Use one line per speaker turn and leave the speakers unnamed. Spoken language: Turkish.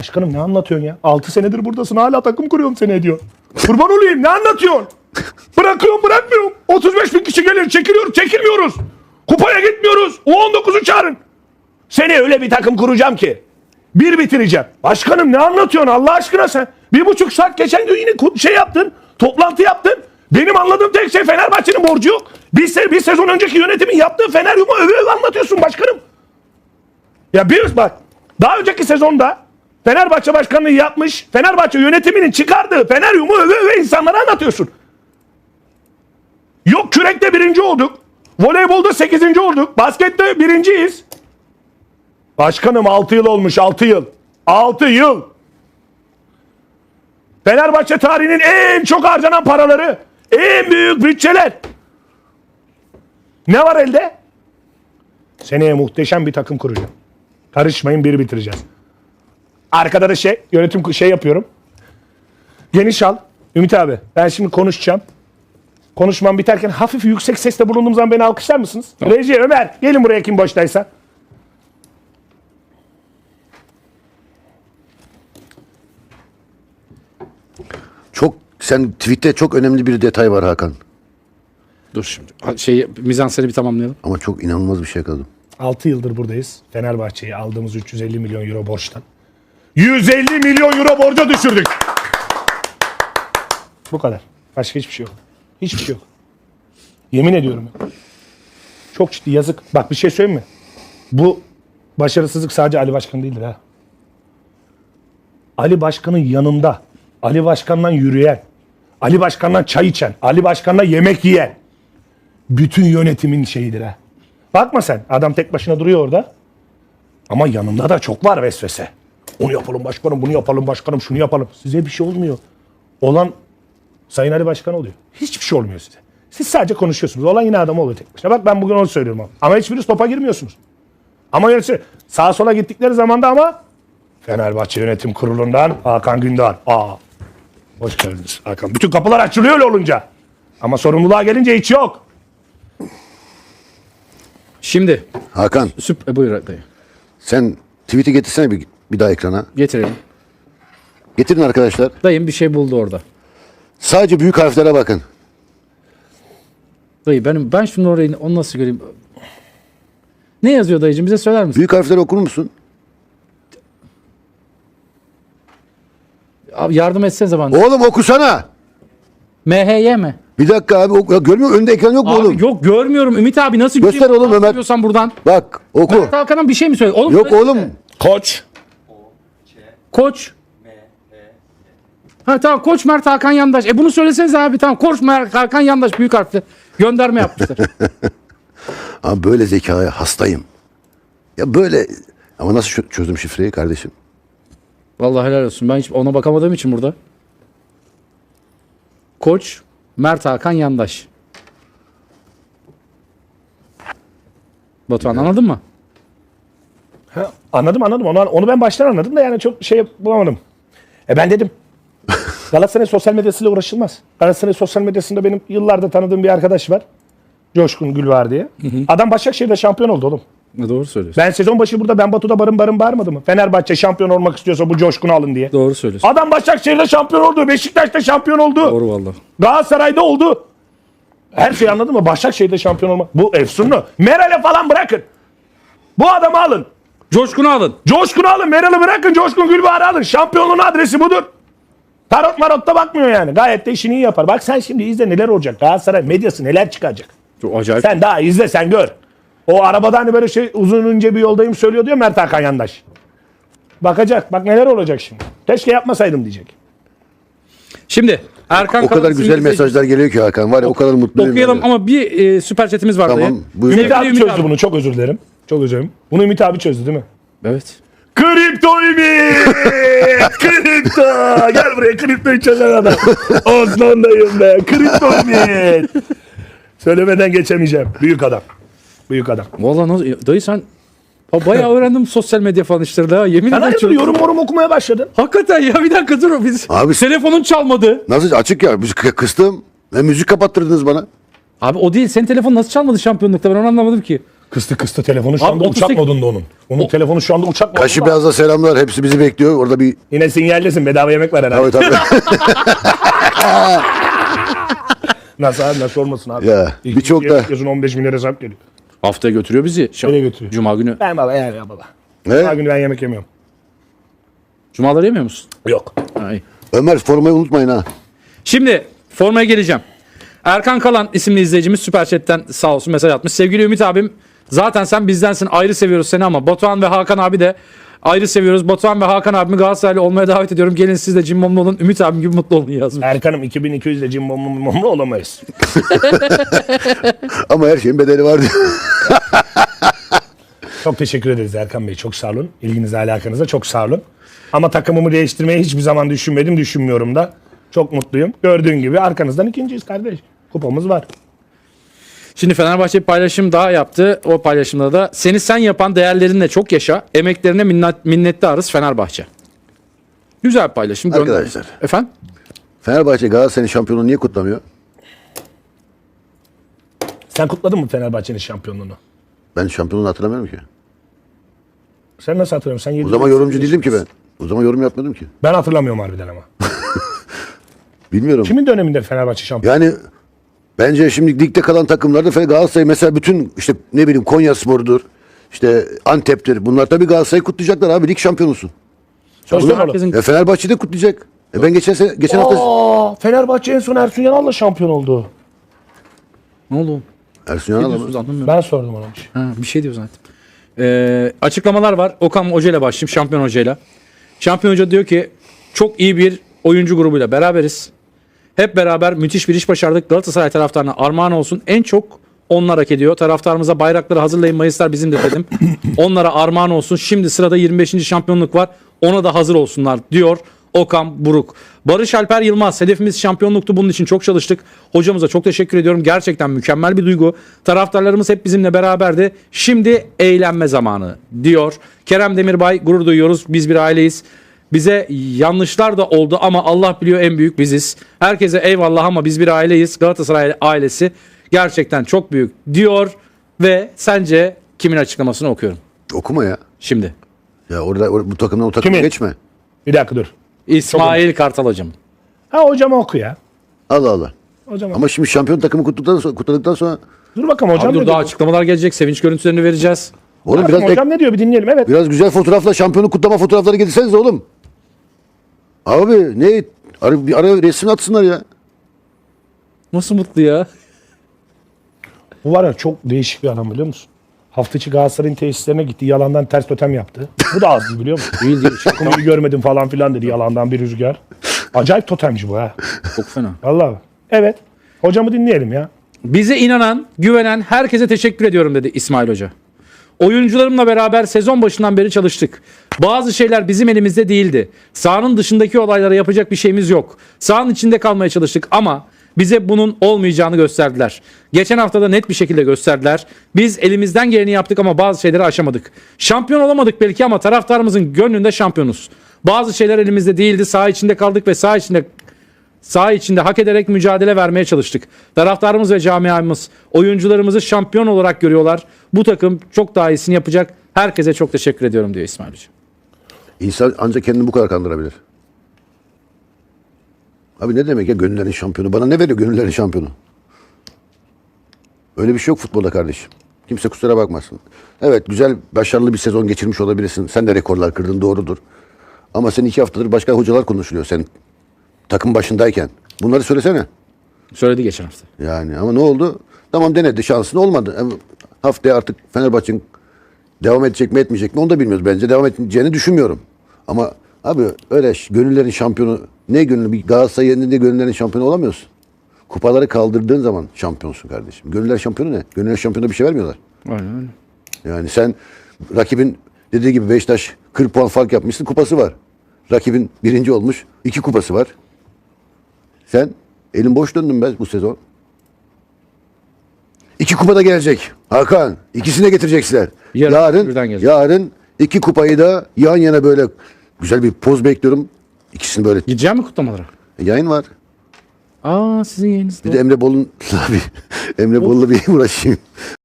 Başkanım ne anlatıyorsun ya? 6 senedir buradasın hala takım kuruyorum seni diyor. Kurban olayım ne anlatıyorsun? Bırakıyorum bırakmıyorum. 35 bin kişi gelir çekiliyoruz çekilmiyoruz. Kupaya gitmiyoruz. U19'u çağırın. Seni öyle bir takım kuracağım ki. Bir bitireceğim. Başkanım ne anlatıyorsun Allah aşkına sen? 1,5 saat geçen gün yine şey yaptın. Toplantı yaptın. Benim anladığım tek şey Fenerbahçe'nin borcu yok. Bir sezon önceki yönetimin yaptığı Feneryum'u öve anlatıyorsun başkanım. Ya bak daha önceki sezonda Fenerbahçe başkanlığı yapmış, Fenerbahçe yönetiminin çıkardığı Feneryum'u öve insanlara anlatıyorsun. Yok kürekte 1. olduk. Voleybolda 8. olduk. Baskette 1.yiz. Başkanım 6 yıl olmuş 6 yıl. 6 yıl. Fenerbahçe tarihinin en çok harcanan paraları. En büyük bütçeler. Ne var elde? Seneye muhteşem bir takım kuracağım. Karışmayın bir bitireceğiz. Arkada da yönetim yapıyorum. Geniş al. Ümit abi ben şimdi konuşacağım. Konuşmam biterken hafif yüksek sesle bulunduğum zaman beni alkışlar mısınız? Tamam. Reji, Ömer gelin buraya kim boştaysa.
Sen tweette çok önemli bir detay var Hakan.
Dur şimdi. Mizanseni bir tamamlayalım.
Ama çok inanılmaz bir şey yakaladım.
6 yıldır buradayız. Fenerbahçe'yi aldığımız 350 milyon euro borçtan 150 milyon euro borca düşürdük. Bu kadar. Başka hiçbir şey yok. Hiçbir şey yok. Yemin ediyorum. Çok ciddi yazık. Bak bir şey söyleyeyim mi? Bu başarısızlık sadece Ali Başkan değildir ha. Ali Başkan'ın yanında, Ali Başkan'dan yürüyen, Ali Başkan'dan çay içen, Ali Başkan'dan yemek yiyen bütün yönetimin şeyidir ha. Bakma sen. Adam tek başına duruyor orada. Ama yanında da çok var vesvese. Onu yapalım başkanım, bunu yapalım başkanım, şunu yapalım. Size bir şey olmuyor. Olan Sayın Ali Başkan oluyor. Hiçbir şey olmuyor size. Siz sadece konuşuyorsunuz. Olan yine adam oluyor tek başına. Bak ben bugün onu söylüyorum. Ama hiçbiriniz topa girmiyorsunuz. Ama sağa sola gittikleri zaman da ama Fenerbahçe Yönetim Kurulu'ndan Hakan Gündar. Hoş geldiniz Hakan. Bütün kapılar açılıyor öyle olunca. Ama sorumluluğa gelince hiç yok.
Şimdi.
Hakan.
Buyur dayı.
Sen tweet'i getirsene bir daha ekrana.
Getirelim.
Getirin arkadaşlar.
Dayım bir şey buldu orada.
Sadece büyük harflere bakın.
Dayı ben şunu orayı onu nasıl göreyim? Ne yazıyor dayıcığım bize söyler misin?
Büyük harfleri okur musun?
Abi yardım etsenize bana.
Oğlum okusana.
MHY mi?
Bir dakika abi. Görmüyor musun? Önünde ekran yok mu
Abi
oğlum?
yok görmüyorum. Ümit abi nasıl
Göster
göreyim?
oğlum Ömer.
Görüyorsan buradan.
Bak oku.
Mert Hakan'ın bir şey mi söyle? Oğlum,
Yok oğlum.
Koç.
Koç. Ha tamam Koç Mert Hakan Yandaş. Bunu söyleseniz abi tamam. Koç Mert Hakan Yandaş büyük harfli. Gönderme yapmışlar.
Abi böyle zekaya hastayım. Ya böyle ama nasıl çözdüm şifreyi kardeşim?
Vallahi helal olsun. Ben hiç ona bakamadığım için burada. Koç Mert Hakan Yandaş. Batuhan anladın mı?
Ha, anladım. Onu ben baştan anladım da yani çok şey bulamadım. Ben dedim. Galatasaray sosyal medyasıyla uğraşılmaz. Galatasaray sosyal medyasında benim yıllarda tanıdığım bir arkadaş var. Coşkun Gülvar diye. Adam Başakşehir'de şampiyon oldu oğlum.
Doğru söylüyorsun.
Ben sezon başı burada ben Batu'da barın bağırmadı mı? Fenerbahçe şampiyon olmak istiyorsa bu Coşkun'u alın diye.
Doğru söylüyorsun.
Adam Başakşehir'de şampiyon oldu. Beşiktaş'ta şampiyon oldu.
Doğru vallahi.
Galatasaray'da oldu. Her şeyi anladın mı? Başakşehir'de şampiyon olmak. Bu efsunlu. Meral'e falan bırakın. Bu adamı alın.
Coşkun'u alın.
Coşkun'u alın. Meral'ı bırakın. Coşkun Gülbahar'ı alın. Şampiyonluğun adresi budur. Tarot marotta bakmıyor yani. Gayet de işini iyi yapar. Bak sen şimdi izle neler olacak. Galatasaray medyası neler çıkacak.
Çok acayip.
Sen daha izle sen gör. O arabada hani böyle uzun ince bir yoldayım söylüyor diyor Mert Hakan Yandaş. Bakacak. Bak neler olacak şimdi. Keşke yapmasaydım diyecek.
Şimdi Erkan
O kadar güzel mesajlar geliyor ki Hakan. Var ya o kadar mutluyum.
okuyalım ama bir süper chatimiz var.
Tamam. Buyurun.
Ümit abi çözdü bunu. Çok özür dilerim. Çok özür dilerim. Bunu Ümit abi çözdü değil mi?
Evet.
Kripto Ümit! Kripto! Gel buraya kriptoyu çözen adam. Osman'dayım be. Kripto Ümit! Söylemeden geçemeyeceğim. Büyük adam. Büyük adam.
Vallahi nasıl dayı sen bayağı öğrendim sosyal medya falan işleri ha. Yemin
Sen
ederim.
hayırdır yorum okumaya başladın.
Hakikaten ya bir dakika dur biz.
Abi-
Telefonun çalmadı.
Nasıl açık ya? Kıstım. Ve müzik kapattırdınız bana.
Abi o değil. Senin telefon nasıl çalmadı şampiyonlukta? Ben onu anlamadım ki.
Kıstı telefonu şu
Abi
anda uçak
38
modunda onun. Onun telefonu şu anda uçak modunda.
Kaşı Beyaz'da selamlar. Hepsi bizi bekliyor. Orada bir...
Yine sinyallesin, bedava yemek var herhalde.
Tabii.
Nasıl abi, nasıl olmasın abi.
Ya,
İlk
birçok
ikiye
da-
bakıyorsun, 15 bin lira hesap geliyor.
Haftaya götürüyor bizi.
Nereye götürüyor?
Cuma günü.
Ben baba ya baba.
Ne?
Her gün ben yemek yemiyorum.
Cumaları yemiyor musun?
Yok.
Ha, iyi.
Ömer formayı unutmayın ha.
Şimdi formaya geleceğim. Erkan Kalan isimli izleyicimiz Süper Chat'ten sağ olsun mesaj atmış. Sevgili Ümit abim, zaten sen bizdensin, ayrı seviyoruz seni ama Batuhan ve Hakan abi de ayrı seviyoruz. Batuhan ve Hakan abimi Galatasaraylı olmaya davet ediyorum. Gelin siz de cimbomlu olun. Ümit abim gibi mutlu olun yazmış.
Erkan'ım 2200'de cimbomlu olamayız.
Ama her şeyin bedeli var diyor.
Çok teşekkür ederiz Erkan Bey. Çok sağ olun. İlginize, alakanıza çok sağ olun. Ama takımımı değiştirmeyi hiçbir zaman düşünmedim. Düşünmüyorum da. Çok mutluyum. Gördüğün gibi arkanızdan ikinciyiz kardeş. Kupamız var.
Şimdi Fenerbahçe bir paylaşım daha yaptı. O paylaşımda da seni sen yapan değerlerinle çok yaşa. Emeklerine minnettarız Fenerbahçe. Güzel bir paylaşım. Gönder.
Arkadaşlar.
Efendim?
Fenerbahçe Galatasaray'ın şampiyonluğunu niye kutlamıyor?
Sen kutladın mı Fenerbahçe'nin şampiyonluğunu?
Ben şampiyonluğunu hatırlamıyorum ki.
Sen nasıl hatırlıyorsun? Sen
O zaman yorumcu değildim ki ben. O zaman yorum yapmadım ki.
Ben hatırlamıyorum harbiden ama.
Bilmiyorum.
Kimin döneminde Fenerbahçe şampiyon?
Yani bence şimdi ligde kalan takımlarda Galatasaray mesela bütün işte ne bileyim Konyaspor'dur, işte Antep'tir. Bunlar tabii Galatasaray'ı kutlayacaklar abi, lig şampiyonusun.
Sözde mi oğlum?
Herkesin
Fenerbahçe de kutlayacak. Ben geçen hafta
Aa, Fenerbahçe en son Ersun Yanal'la şampiyon oldu.
ne oldu?
Ersun
Ne
Yanal
diyorsunuz
ama.
anlamıyorum.
Ben sordum ona bir şey.
Ha, bir şey diyor zaten. Açıklamalar var. Okan Hoca ile başlayayım. Şampiyon Hoca ile. Şampiyon Hoca diyor ki çok iyi bir oyuncu grubuyla beraberiz. Hep beraber müthiş bir iş başardık. Galatasaray taraftarına armağan olsun. En çok onlar hak ediyor. Taraftarımıza bayrakları hazırlayın. Mayıslar bizim de dedim. Onlara armağan olsun. Şimdi sırada 25. şampiyonluk var. Ona da hazır olsunlar diyor Okan Buruk. Barış Alper Yılmaz. Hedefimiz şampiyonluktu. Bunun için çok çalıştık. Hocamıza çok teşekkür ediyorum. Gerçekten mükemmel bir duygu. Taraftarlarımız hep bizimle beraberdi. Şimdi eğlenme zamanı diyor. Kerem Demirbay, gurur duyuyoruz. Biz bir aileyiz. Bize yanlışlar da oldu ama Allah biliyor en büyük biziz. Herkese eyvallah ama biz bir aileyiz. Galatasaray ailesi gerçekten çok büyük diyor ve sence kimin açıklamasını okuyorum
Okuma ya.
şimdi?
Ya bu takımdan o takıma
Kimin?
geçme.
Bir dakika dur.
İsmail Kartal hocam.
Ha hocama oku ya.
Allah Allah.
Hocama.
Ama şimdi şampiyon takımı kutladıktan sonra
Dur bakalım hocam
Abi
ne
dur
diyor?
daha açıklamalar gelecek. Sevinç görüntülerini vereceğiz.
oğlum
Bakalım
biraz
hocam ne diyor bir dinleyelim. Evet.
biraz güzel fotoğrafla şampiyonluk kutlama fotoğrafları getirseniz oğlum. Abi ne bir ara resim atsınlar ya.
Nasıl mutlu ya?
Bu var ya çok değişik bir adam biliyor musun? Hafta içi Galatasaray'ın tesislerine gitti. Yalandan ters totem yaptı. Bu da az değil biliyor musun?
Değil değil.
Takımı görmedim falan filan dedi. Yalandan bir rüzgar. Acayip totemci bu ha.
Çok fena.
Vallahi. Evet. Hocamı dinleyelim ya.
Bize inanan, güvenen herkese teşekkür ediyorum dedi İsmail Hoca. Oyuncularımla beraber sezon başından beri çalıştık. Bazı şeyler bizim elimizde değildi. Sahanın dışındaki olaylara yapacak bir şeyimiz yok. Sahanın içinde kalmaya çalıştık ama bize bunun olmayacağını gösterdiler. Geçen hafta da net bir şekilde gösterdiler. Biz elimizden geleni yaptık ama bazı şeyleri aşamadık. Şampiyon olamadık belki ama taraftarımızın gönlünde şampiyonuz. Bazı şeyler elimizde değildi. Saha içinde kaldık ve saha içinde hak ederek mücadele vermeye çalıştık. Taraftarımız ve camiamız oyuncularımızı şampiyon olarak görüyorlar. Bu takım çok daha iyisini yapacak. Herkese çok teşekkür ediyorum diyor İsmail Hoca.
İnsan ancak kendini bu kadar kandırabilir. Abi ne demek ya gönüllerin şampiyonu? Bana ne veriyor gönüllerin şampiyonu? Öyle bir şey yok futbolda kardeşim. Kimse kusura bakmasın. Evet güzel, başarılı bir sezon geçirmiş olabilirsin. Sen de rekorlar kırdın, doğrudur. Ama sen 2 haftadır başka hocalar konuşuluyor sen takım başındayken. Bunları söylesene.
Söyledi geçen hafta.
Yani ama ne oldu? Tamam denedi, şansın olmadı. Ama haftaya artık Fenerbahçe'nin devam edecek mi etmeyecek mi onu da bilmiyoruz. Bence devam edeceğini düşünmüyorum. Ama abi öyle gönüllerin şampiyonu, ne gönüllü, bir Galatasaray yerinde gönüllerin şampiyonu olamıyorsun. Kupaları kaldırdığın zaman şampiyonsun kardeşim. Gönüller şampiyonu ne? Gönüller şampiyonu bir şey vermiyorlar.
Aynen öyle.
Yani sen rakibin dediği gibi Beşiktaş 40 puan fark yapmışsın, kupası var. Rakibin birinci olmuş, 2 kupası var. Sen elin boş döndün be bu sezon. 2 kupa da gelecek. Hakan, ikisini de getirecekler.
Birden gelecek.
Yarın 2 kupayı da yan yana böyle güzel bir poz bekliyorum. İkisini böyle
Gideceğim mi kutlamalara?
yayın var.
Aa sizin yayınız.
Bir de Emre Bol'un abi Emre Bol'la bir uğraşayım.